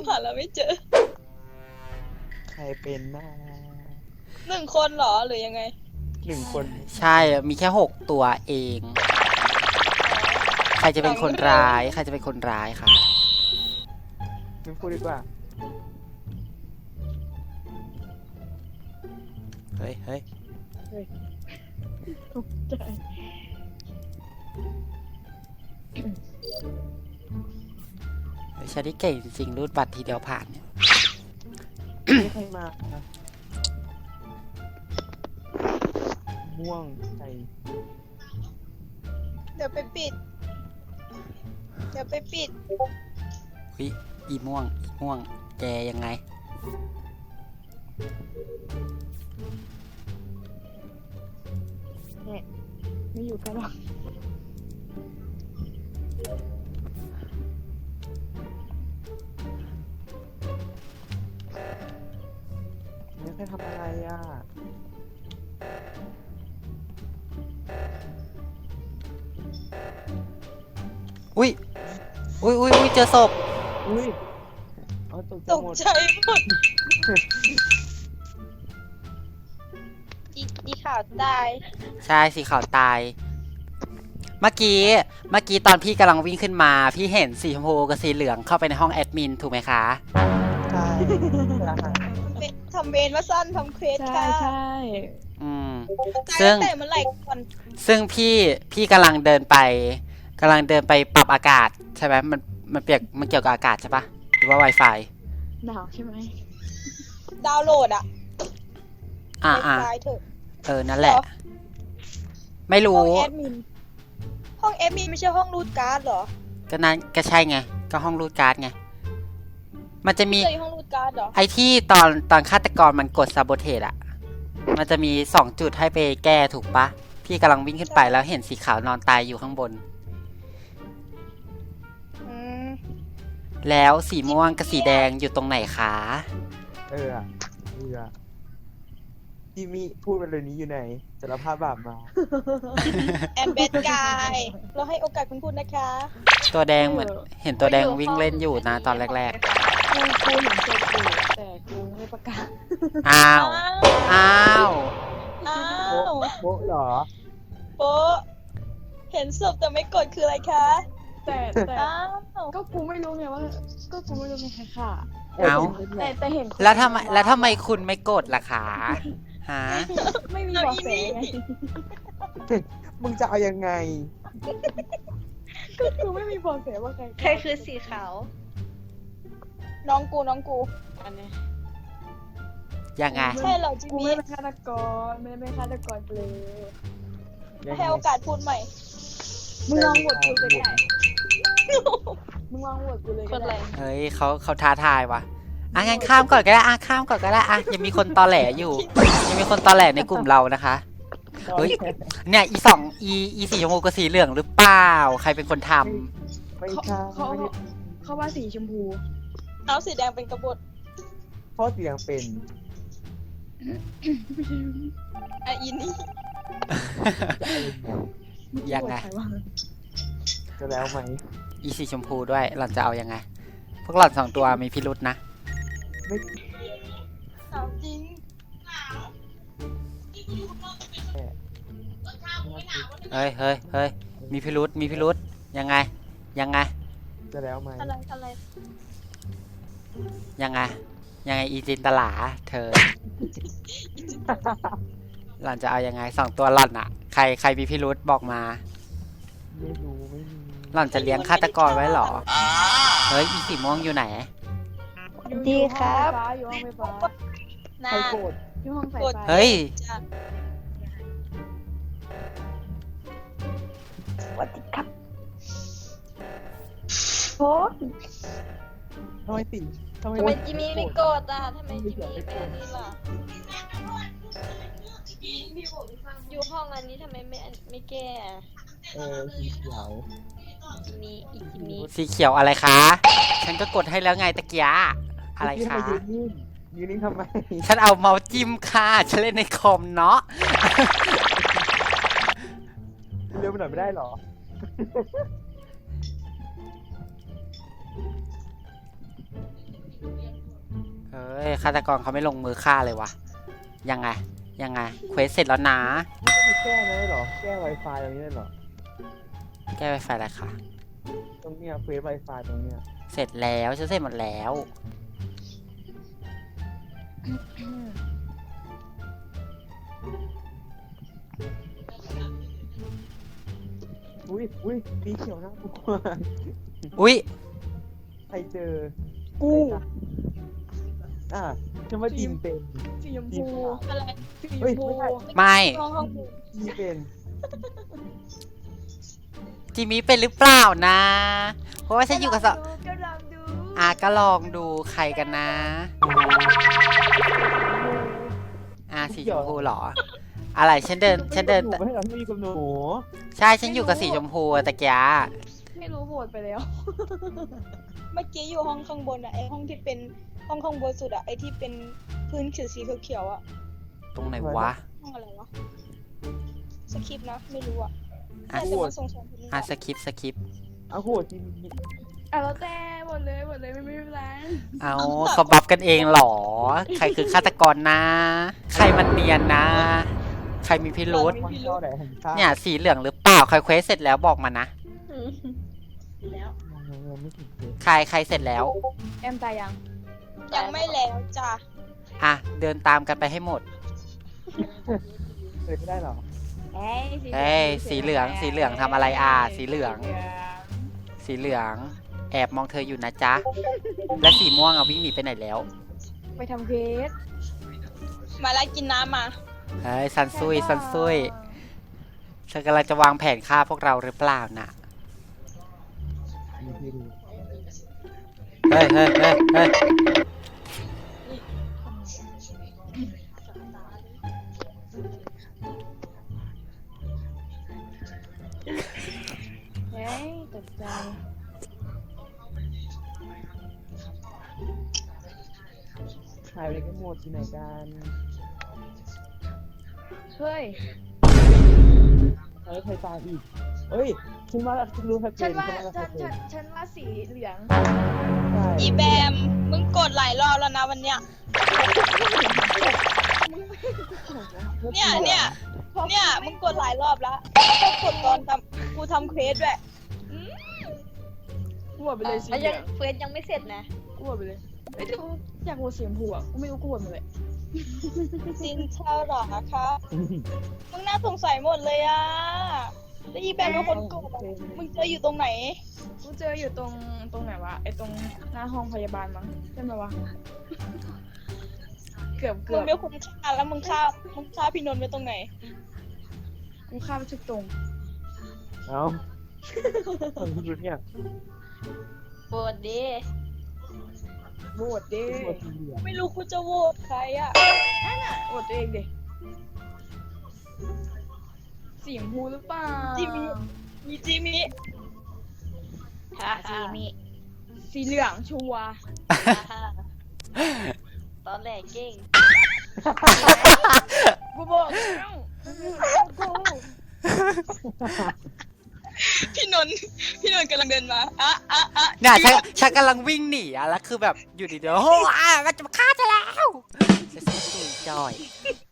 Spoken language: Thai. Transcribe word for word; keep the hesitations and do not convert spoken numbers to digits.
หาแล้วไม่เจอใครเป็นหน้าหนึ่งคนเหรอหรือยังไงหนึ่งคนใช่มีแค่หกตัวเอง ใครจะเป็นคนร้ายใครจะเป็นคนร้ายค่ะไม่พูดดีกว่าเฮ้ยเฮ้ยตกใจฉันที่เก่งจริงๆรูดบัตรทีเดียวผ่านเนี่ยไม่ใครมาม่วงใส่เดี๋ยวไปปิดเดี๋ยวไปปิดวิอีม่วงอีม่วงแกยังไงเนี่ยไม่อยู่กันหรอกไม่ใครทำอะไรอ่ะอุ้ยอุ้ยอุ้ยอุ้ยเจอศพอุ้ยเอาตกใจตกหมดใจหมดอีอีข่าวตายใช่สีขาวตายเมื่อกี้เมื่อกี้ตอนพี่กำลังวิ่งขึ้นมาพี่เห็นสีชมพูกับสีเหลืองเข้าไปในห้องแอดมินถูกไหมคะใช่ทำเวรมาสั้นทำเควสใช่ค่ะใช่อืมซึ่งแต่เมื่อไหร่ก่อนซึ่งพี่พี่กำลังเดินไปกำลังเดินไปปรับอากาศใช่ไหมมันมันเปียกมันเกี่ยวกับอากาศใช่ปะหรือว่า Wi-Fi หนาวใช่ไหมดาวน์โหลดอะอ่าอ่าเออนั่นแหละไม่รู้ห้องแอดมินห้องแอดมินไม่ใช่ห้องรูดการ์ดเหรอก็นั้นก็ใช่ไงก็ห้องรูดการ์ดไงมันจะมีห้องรูดการ์ดเหรอไอที่ตอนตอนฆาตกรมันกดซาโบเทสอะมันจะมีสองจุดให้ไปแก้ถูกปะพี่กำลังวิ่งขึ้นไปแล้วเห็นสีขาวนอนตายอยู่ข้างบนแล้วสีม่วงกับสีแดงอยู่ตรงไหนคะเออเออจิมี่พูดไปเลยนี้อยู่ไหนสารภาพบาปมาแอนเบดกายเราให้โอกาสคุณพูดนะคะตัวแดงเหมือนเห็นตัวแดงวิ่งเล่นอยู่นะตอนแรกๆกูกูเห็นศพอยู่แต่กูไม่ประกาศอ้าวอ้าวอ้าวโป๊ะเหรอโป๊ะเห็นศพแต่ไม่กดคืออะไรคะแต่แต่ก็กูไม่รู้ไงว่าก็กูไม่รู้ไงค่ะเอาแต่แต่เห็นแล้วทำไมแล้วทำไมคุณไม่กดล่ะคะฮะไม่มีบอกแสไงมึงจะเอายังไงก็กูไม่มีบอกแสว่าใครใครคือสีขาวน้องกูน้องกูอันนี้ยังไงใช่เหรอจิกูมี่ไม่เป็นฆาตกรไม่ไม่ฆาตกรเลยให้โอกาสพูดใหม่มึงลองโหวตกูเลยได้มึงลองโหวตกูเลยก็ได้เฮ้ยเขาเขาท้าทายวะอ่ะงั้นข้ามก่อนก็ได้อ่ะข้ามก่อนก็ได้อ่ะยังมีคนตอแหลอยู่ยังมีคนตอแหลในกลุ่มเรานะคะเฮ้ยเนี่ยอีสองอีอีสีชมพูกับสีเหลืองหรือเปล่าใครเป็นคนทำไม่ใช่เขาเขาว่าสีชมพูเอาสีแดงเป็นกบฏเพราะสีแดงเป็นไออินนี่ยังไงจะแล้วไหมอีสีชมพูด้วยหล่อนจะเอายังไงพวกหล่อนสองตัวมีพิรุษนะไม่เอาจริงเฮ้ยเฮ้ยเฮ้ยมีพิรุษมีพิรุษยังไงยังไงจะแล้วไหมอะไรอะไรยังไงยังไงอีจินตลาเธอหล่อนจะเอายังไงสองตัวหล่อนอะใครใครมีพิรุษบอกมาไม่รู้ไม่มีหล่อนจะเลี้ยงฆาตกรไว้หรอเฮ้ยอีสีม่วงอยู่ไหนดีครับอยู่ห้องไฟฟ้าน่าอยู่ห้องไฟฟ้าเฮ้ยสวัสดีครับโอ้ทำไมติทำไมจิมี่ไม่กดอ่ะทำไมจิมี่เป็นนี่ล่ะอยู่ห้องอันนี้ทำไมไม่ไม่แก้เออสีเขียวจิมี่อีจิมี่สีเขียวอะไรคะฉันก็กดให้แล้วไงตะเกียอะไรคะยืนนิ่งยืนนิ่งทำไมฉันเอาเมาส์จิ้มค่ะฉันเล่นในคอมเนาะเร็วไปหน่อยไม่ได้หรอยฆาตกรเขาไม่ลงมือฆ่าเลยวะยังไงยังไงเควสเสร็จแล้วนะไม่ได้แก้นะได้เหรอ แก้ Wi-Fi ตรงนี้ได้เหรอแก้ไวไฟอะไรคะตรงเนี้ยเควส Wi-Fi ตรงเนี้ยเสร็จแล้วฉันเสร็จหมดแล้วอุ้ยอุ้ยสีเขียวนะกูอุ๊ยใครเจอกูอ่ะฉันว่าจิมเป็นสีชมจิพูมอะไรสีชเฮ้ยมพูไม่ใช่ไม่ห้องห้องกูจิมเป็นจิมมี่เป็นหรือเปล่านะ เพราะว่าฉันอยู่กับสองก็ลองดูอ่ะก็ลองดูใครกันนะ อ่ะสีชมพูเหรอ อะไรฉันเดินฉันเดินไม่ให้เราไม่มีกับหนูใช่ฉันอยู่กับสีชมพูอะตะกี้ไม่รู้โหวตไปแล้วเมื่อกี้อยู่ห้องข้างบนอะไอห้องที่เป็นห้องข้างบนสุดอะไอที่เป็นพื้นสีสีเขียวๆอะตรงไหนวะห้องอะไรวะสคริปต์นะไม่รู้อะอ่ะแต่จะมาส่งสองคนนี้อ่ะสคริปสคริปอ้าวโหจิมอ่ะแล้วแต่หมดเลยหมดเลยไม่ไม่เป็นไรเอาเขาบัฟกันเองเหรอ ใครคือฆาตกรนะ ใครมันเนียนนะ ใครมีพิรุษมันเข้าไหนผมข้ามเนี่ยสีเหลืองหรือเปล่าใครเควสเสร็จแล้วบอกมานะแล้วยังไม่ถึงเลยใครใครเสร็จแล้วแอมตายยังยังไม่แล้วจ้ะอ่ะเดินตามกันไปให้หมดเลยไม่ได้เหรอเอ้ยสีเอ้ยสีเหลืองสีเหลืองทำอะไรอ่ะสีเหลือง สีเหลือง แอบมองเธออยู่นะจ๊ะ และสีม่วงอ่ะวิ่งหนีไปไหนแล้วไปทำเคสมาแล้วกินน้ำมาเฮ้ยซันซุยซันซุยเธอกำลังจะวางแผนฆ่าพวกเราหรือเปล่าน่ะมีที่รู้เฮ้ยเฮ้ยเฮ้ยเฮ้ยเฮ้ยตกใจหายไปกันหมดที่ไหนกันเฮ้ยแล้วใครตายอีกเอ้ยฉันว่าฉันรู้ใครเป็ฉันนว่าฉันว่าใครฉันเป็นฉันฉันว่าสีเหลืองใช่อีแบมมึงกดหลายรอบแล้วนะวันเนี้ยเนี่ยเนี่ยเนี่ยมึงกดหลายรอบแล้วก็กดตอนทำกูทำเควสด้วยกูโหวตไปเลยสีอ่ะเหลืยัอง งเควสยังไม่เสร็จนะกูโหวตไปเลยไอ้ยดูอยากโหวตสีชมพูอ่ะกูไม่รู้กูโหวตมาเลยจินเท่าหรอคะมึงน่าสงสัยหมดเลยอะแล้วอีแบมเป็นคนกดอะมึงเจออยู่ตรงไหนกูเจออยู่ตรงตรงไหนวะไอ้ตรงหน้าห้องพยาบาลมั้งใช่ไหมวะเกือบเกืมึอง บไม่คุ้มค่าแล้วมึงฆ่ามึงฆ่าพี่นนท์ไว้ตรงไหนกูข้ามไปทุกตรงเอ้าคนที่รู้เนี่ยโหวตดิโหวตดิตัวสีเหลืองไม่รู้กูจะโหวตใครอะนั่นน่ะโหวตตัวเองดิสีชมพูหรือเปล่าจิมิมีจิมิฮ่าสีจิมิสีเหลืองชัวร์ตอนแรกเก่งกูบอกแล้วกูพี่นนท์พี่นนท์กำลังเดินมาอะอะอะเนี่ยฉันฉันกำลังวิ่งหนีอ่ะแล้วคือแบบอยู่ดีๆโอ้โหอ่ะมันจะมาฆ่าเธอแล้วฉันตุยจอย